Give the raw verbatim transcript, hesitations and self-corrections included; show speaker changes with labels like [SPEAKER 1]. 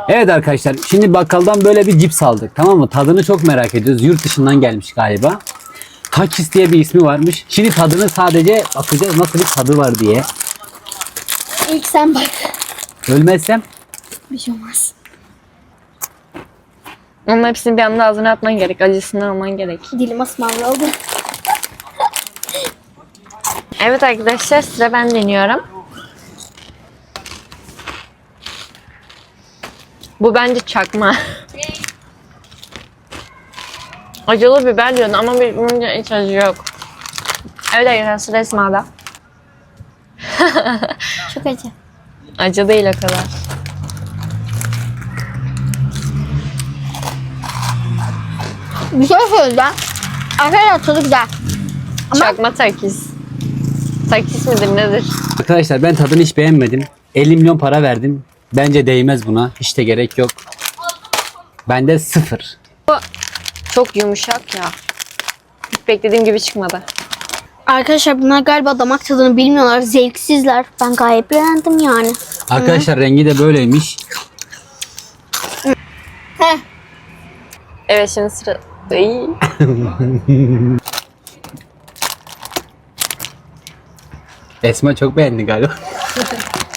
[SPEAKER 1] Evet arkadaşlar, şimdi bakkaldan böyle bir cips aldık, tamam mı? Tadını çok merak ediyoruz. Yurt dışından gelmiş galiba. Takis diye bir ismi varmış. Şimdi tadını sadece bakacağız nasıl bir tadı var diye.
[SPEAKER 2] İlk sen bak.
[SPEAKER 1] Ölmezsem
[SPEAKER 2] Bir şey olmaz.
[SPEAKER 3] Onun hepsini bir anda ağzına atman gerek. Acısından alman gerek.
[SPEAKER 2] Dilim asmalı oldu.
[SPEAKER 3] Evet arkadaşlar, sıra ben deniyorum. Bu bence çakma. Acılı biber diyorsun ama bir- bunun hiç acı yok. Evet arkadaşlar, sıra Esma'da.
[SPEAKER 2] Çok acı.
[SPEAKER 3] Acı değil o kadar.
[SPEAKER 2] Bir şey söyleyeceğim. Arkadaşlar tadı güzel. Ama-
[SPEAKER 3] Çakma takis. Takis midir nedir?
[SPEAKER 1] arkadaşlar, ben tadını hiç beğenmedim. elli milyon para verdim. Bence değmez buna. Hiç de gerek yok. Bende sıfır.
[SPEAKER 3] Bu çok yumuşak ya. Hiç beklediğim gibi çıkmadı.
[SPEAKER 2] Arkadaşlar bunlar galiba damak tadını bilmiyorlar. Zevksizler. Ben gayet beğendim yani.
[SPEAKER 1] Arkadaşlar rengi de böyleymiş.
[SPEAKER 2] Heh.
[SPEAKER 3] Evet, şimdi sıra... Ay.
[SPEAKER 1] Esma çok beğendi galiba.